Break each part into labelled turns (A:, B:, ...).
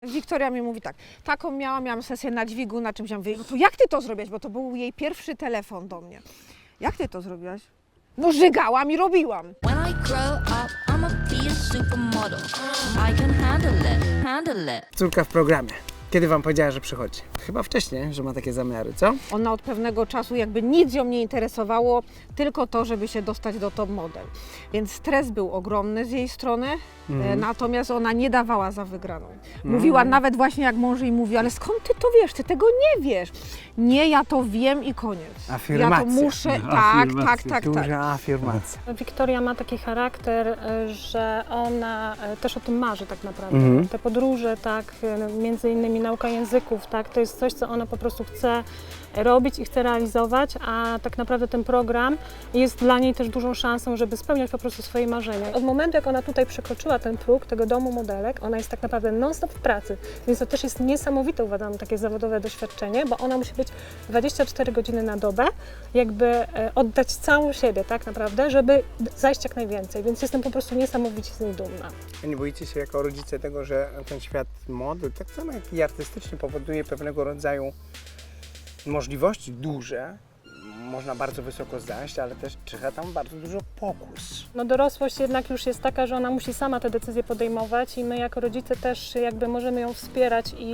A: Wiktoria mi mówi tak, taką miałam sesję na dźwigu, na czymś. Ja mówię, no to jak ty to zrobiłaś? Bo to był jej pierwszy telefon do mnie. Jak ty to zrobiłaś? No żygałam i robiłam.
B: When I grow up, I'ma be a supermodel. I can handle it.
C: Córka w programie. Kiedy wam powiedziała, że przychodzi? Chyba wcześniej, że ma takie zamiary, co?
A: Ona od pewnego czasu jakby nic ją nie interesowało, tylko to, żeby się dostać do top model. Więc stres był ogromny z jej strony, natomiast ona nie dawała za wygraną. Mówiła nawet właśnie jak mąż jej mówi, ale skąd ty to wiesz? Ty tego nie wiesz. Nie, ja to wiem i koniec.
C: Afirmacja.
A: Ja to muszę, tak.
C: Duża afirmacja.
D: Wiktoria ma taki charakter, że ona też o tym marzy tak naprawdę. Te podróże, tak, między innymi nauka języków, tak, to jest coś, co ona po prostu chce robić i chce realizować, a tak naprawdę ten program jest dla niej też dużą szansą, żeby spełniać po prostu swoje marzenia. Od momentu, jak ona tutaj przekroczyła ten próg tego domu modelek, ona jest tak naprawdę non-stop w pracy, więc to też jest niesamowite, uważam, takie zawodowe doświadczenie, bo ona musi być 24 godziny na dobę, jakby oddać całą siebie tak naprawdę, żeby zajść jak najwięcej, więc jestem po prostu niesamowicie z niej dumna.
C: A nie boicie się jako rodzice tego, że ten świat mody, tak samo jak i artystyczny, powoduje pewnego rodzaju możliwości duże, można bardzo wysoko zajść, ale też czyha tam bardzo dużo pokus.
D: No dorosłość jednak już jest taka, że ona musi sama te decyzje podejmować i my jako rodzice też jakby możemy ją wspierać i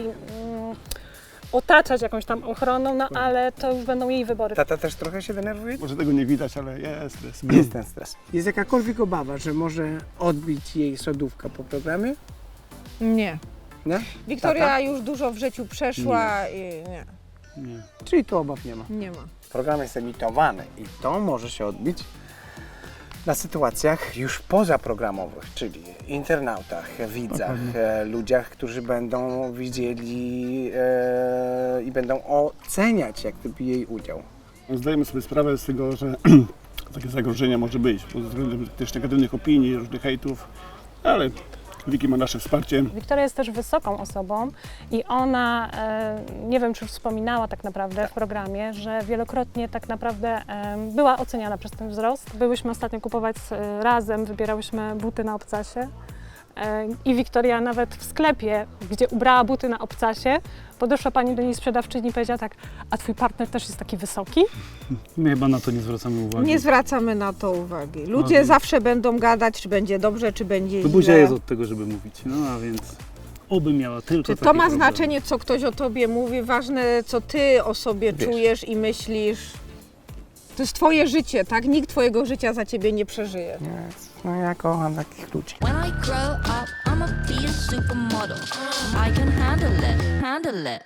D: otaczać jakąś tam ochroną, no ale to już będą jej wybory.
C: Tata też trochę się denerwuje?
E: Może tego nie widać, ale jest stres.
C: Jest ten stres. Jest jakakolwiek obawa, że może odbić jej sodówka po programie?
A: Nie.
C: Nie?
A: Wiktoria
C: Tata?
A: już dużo w życiu przeszła i nie.
E: Nie.
C: Czyli tu obaw nie ma.
A: Nie ma.
C: Program jest emitowany i to może się odbić na sytuacjach już pozaprogramowych, czyli internautach, widzach, ludziach, którzy będą widzieli i będą oceniać jak gdyby jej udział.
E: Zdajemy sobie sprawę z tego, że takie zagrożenia może być pod względem też negatywnych opinii, różnych hejtów, ale Wiki ma nasze wsparcie.
D: Wiktoria jest też wysoką osobą i ona, nie wiem czy już wspominała tak naprawdę w programie, że wielokrotnie tak naprawdę była oceniana przez ten wzrost. Byłyśmy ostatnio kupować razem, wybierałyśmy buty na obcasie i Wiktoria nawet w sklepie, gdzie ubrała buty na obcasie, podeszła pani do niej sprzedawczyni i powiedziała tak, a twój partner też jest taki wysoki?
F: My chyba na to nie zwracamy uwagi.
A: Nie zwracamy na to uwagi. Ludzie zawsze będą gadać, czy będzie dobrze, czy będzie
F: To
A: źle.
F: buzia jest od tego, żeby mówić. No a więc oby miała tylko
A: Czy
F: takie
A: to ma
F: problemy.
A: znaczenie, co ktoś o tobie mówi? Ważne, co ty o sobie czujesz i myślisz. To jest twoje życie, tak? Nikt twojego życia za ciebie nie przeżyje.
C: No ja kocham takich ludzi.
B: When I grow up, I'ma be a supermodel. I can handle it.